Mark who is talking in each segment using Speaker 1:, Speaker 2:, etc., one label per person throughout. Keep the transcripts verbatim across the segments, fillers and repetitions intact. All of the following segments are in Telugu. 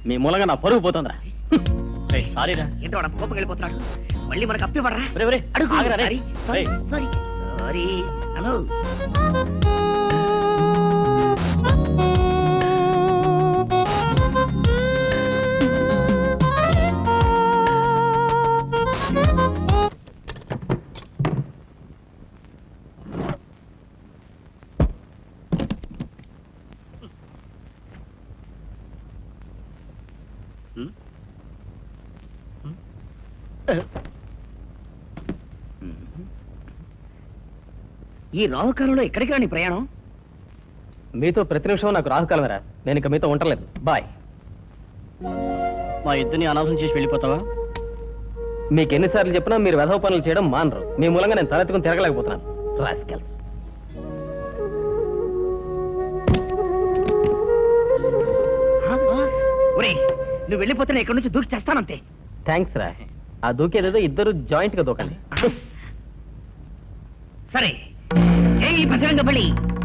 Speaker 1: మీ మూలంగా నా పరుగు పోతుందా? సారీరా.
Speaker 2: ఏంటో వాడు కోపం వెళ్ళిపోతున్నాడు. మళ్ళీ మనకు అప్పివ్వడరా?
Speaker 1: అడుగు.
Speaker 2: Sorry sorry sorry hello. ఈ రాహుకాలంలో ఎక్కడికి రాని ప్రయాణం?
Speaker 1: మీతో ప్రతి నిమిషం నాకు రాహుకాలమేరా. నేను ఇక మీతో ఉండలేదు. బాయ్. మా ఇద్దరిని అనాథం చేసి వెళ్ళిపోతావా? మీకు ఎన్నిసార్లు చెప్పినా మీరు వెధవ పనులు చేయడం మానరు. మీ మూలంగా నేను తలెత్తుకుని తిరగలేకపోతున్నాను. రాస్కెల్స్.
Speaker 2: నువ్వు వెళ్ళిపోతే ఇక్కడి నుంచి దూకి చేస్తానంతే.
Speaker 1: థ్యాంక్స్ రా. ఆ దూకేదేదో ఇద్దరు జాయింట్ గా దూకండి.
Speaker 2: సరే ఏ బజరంగ బలి.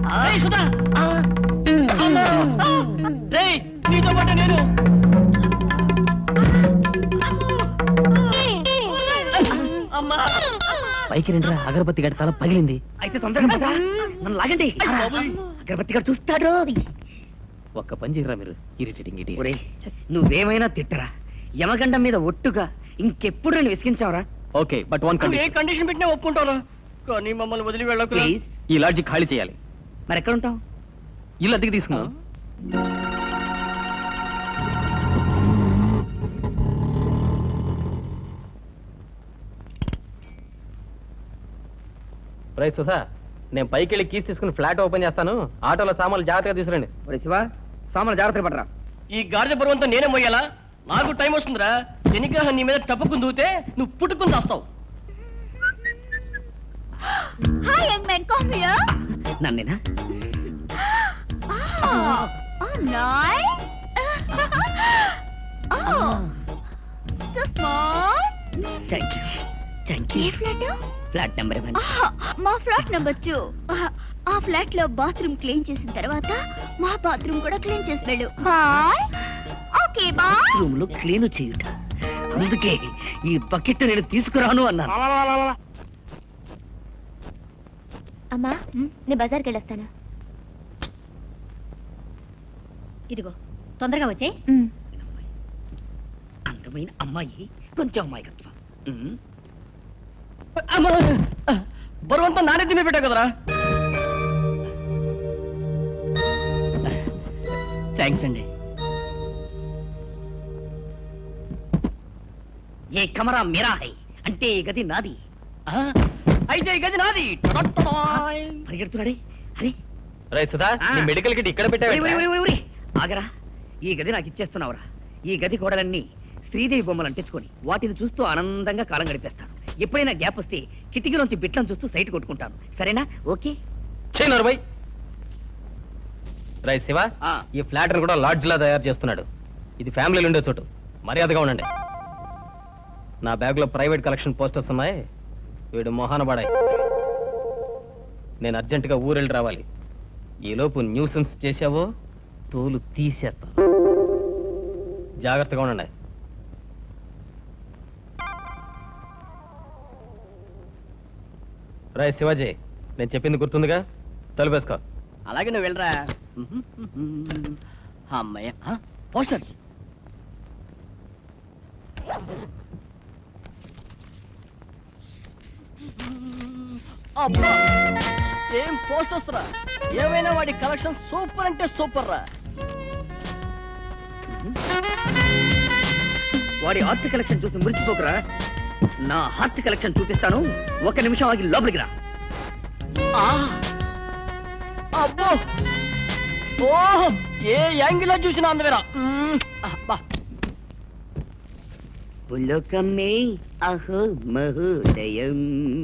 Speaker 1: పైకి రండిరా, అగరబత్తి గడి తల పగిలింది.
Speaker 2: అయితే తొందరగా పద. నన్ను లాగండి. అగరబత్తి గడి చూస్తాడు.
Speaker 1: ఒక్క పని చేయరా మీరు. ఇరిటేటింగ్ ఇటీ.
Speaker 2: నువ్వేమైనా తిట్టరా, యమగండం మీద ఒట్టుగా ఇంకెప్పుడు నేను విసిగించావరా?
Speaker 1: Okay, but one condition.
Speaker 2: ఏ కండిషన్ పెట్టినా ఒప్పుకుంటాను, కానీ మమ్మల్ని వదిలి వెళ్ళకు ప్లీజ్.
Speaker 1: ఈ లాడ్జి ఖాళీ చేయాలి.
Speaker 2: మరి ఎక్కడ ఉంటావు?
Speaker 1: ఇల్లు అద్దెకి తీసుకున్నాం. రై సుధా, నేను పైకి వెళ్ళి కీస్ తీసుకుని ఫ్లాట్ ఓపెన్ చేస్తాను. ఆటోలో సామాన్లు జాగ్రత్తగా తీసుకురండి.
Speaker 2: శివ, సామాన్లు జాగ్రత్తగా పడరా.
Speaker 3: ఈ గాడిద బరువంతా నేనే మోయాలా? నాకు టైం వస్తుందిరా. శనిగ్రహం నీ మీద టప్పుకుని దూతే నువ్వు పుట్టుకుని దాస్తావు.
Speaker 4: Hi, young man, come here.
Speaker 2: నన్నేనా?
Speaker 4: Oh, oh, nice. Oh, so small.
Speaker 2: Thank you, thank
Speaker 4: ఏ
Speaker 2: you.
Speaker 4: Flat?
Speaker 2: Flat number one.
Speaker 4: మా ఫ్లాట్ నెంబర్ టూ. ఆ ఫ్లాట్ లో బాత్రూమ్ క్లీన్ చేసిన తర్వాత మా బాత్రూమ్ కూడా క్లీన్ చేసి వెళ్ళు. బాయ్. Okay bye.
Speaker 2: రూమ్ లో క్లీన్ చేయుట, అందుకే ఈ బకెట్ నేను తీసుకురాను అన్నాను.
Speaker 4: అమ్మా, నేను బజార్కి వెళ్ళొస్తాను. ఇదిగో తొందరగా వచ్చే.
Speaker 2: అందమైన అమ్మాయి, కొంచెం అమ్మాయికత్వం.
Speaker 3: బరువంతా నానే తిమ్మి పెట్టావు కదరా. థ్యాంక్స్ అండి.
Speaker 2: ఏ కమరా మేరా హై అంటే ఈ గది నాది.
Speaker 3: అయితే ఈ గది నాది.
Speaker 2: పరిగెడుతున్నాడే. అరే
Speaker 1: రై సుధా, నీ మెడికల్ కిట్ ఇక్కడ పెట్టావు.
Speaker 2: ఆగరా, ఈ గది నాకు ఇచ్చేస్తున్నావురా. ఈ గది గోడలన్నీ శ్రీదేవి బొమ్మలు అంటించుకొని వాటిని చూస్తూ ఆనందంగా కాలం గడిపేస్తాను. ఎప్పుడైనా గ్యాప్ వస్తే కిటికీలోంచి బిట్లను చూస్తూ సైట్ కొట్టుకుంటాను. సరేనా? ఓకే.
Speaker 1: చేయనరుబై. రై శివ, ఈ ఫ్లాట్ కూడా లాడ్జ్ లా తయారు చేస్తున్నాడు. ఇది ఫ్యామిలీలు ఉండే చోటు. మర్యాదగా ఉండండి. నా బ్యాగ్ లో ప్రైవేట్ కలెక్షన్ పోస్టర్స్ ఉన్నాయి. వీడు మొహాన పడాయి. నేను అర్జెంటుగా ఊరెళ్ళి రావాలి. ఈలోపు న్యూసెన్స్ చేశావో తోలు తీసేస్తా. జాగ్రత్తగా ఉండండి. రాయ్ శివాజీ, నేను చెప్పింది గుర్తుందిగా? తలుపేసుకో.
Speaker 3: అలాగే నువ్వు వెళ్ళరా. అమ్మయ్య, పోస్టర్స్. అబ్బా, ఏం పోస్టర్స్ రా. ఏమైనా వాడి కలెక్షన్ సూపర్ అంటే సూపర్ రా.
Speaker 2: వాడి ఆర్ట్ కలెక్షన్ చూసి మురిచిపోకురా. నా హార్ట్ కలెక్షన్ చూపిస్తాను. ఒక నిమిషం ఆగి లోపలికి రా.
Speaker 3: అబ్బో, ఓహో, ఏ యాంగిల్ లో చూసినా అందవేరా.
Speaker 2: పులకమే అహో మహోదయం.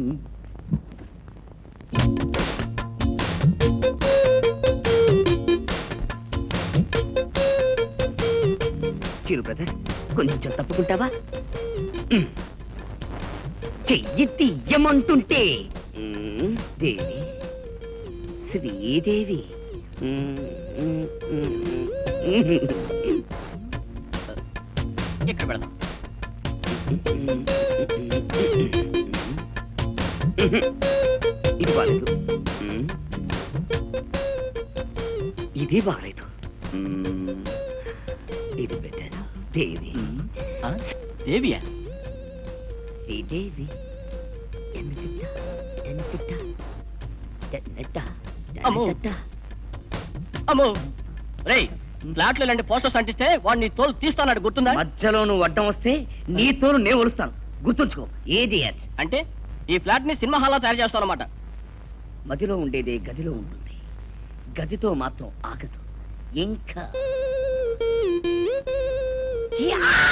Speaker 2: చిరు బ్రదర్, కొంచెం తప్పుకుంటావా? చెయ్యి తీయమంటుంటే. దేవి, శ్రీదేవి.
Speaker 3: ఇక్కడ పెడదాం.
Speaker 2: ఇది బాలేదు. ఇది బాలేదు. ఇది బెటర్. దేవి
Speaker 3: ఆ? దేవియా?
Speaker 2: శ్రీదేవి ఎన్నిసిట్ట ఎన్నిసిట్ట ఎన్నెట్ట
Speaker 3: అమ్మో.
Speaker 2: ఎన్నెట్ట.
Speaker 3: అమ్మో రేయ్, ఫ్లాట్ లో ఇలాంటి పోస్టర్స్ అంటిస్తే వాడిని తోలు తీస్తానాడు, గుర్తుందా?
Speaker 2: మధ్యలో నువ్వు అడ్డం వస్తే నీ తోలు నేను ఒలుస్తాను, గుర్తుంచుకో. ఏది
Speaker 3: అంటే ఈ ఫ్లాట్ ని సినిమా హాల్ తయారు చేస్తావు అనమాట.
Speaker 2: మదిలో ఉండేదే గదిలో ఉంటుంది, గదితో మాత్రం ఆగదు ఇంకా. యా!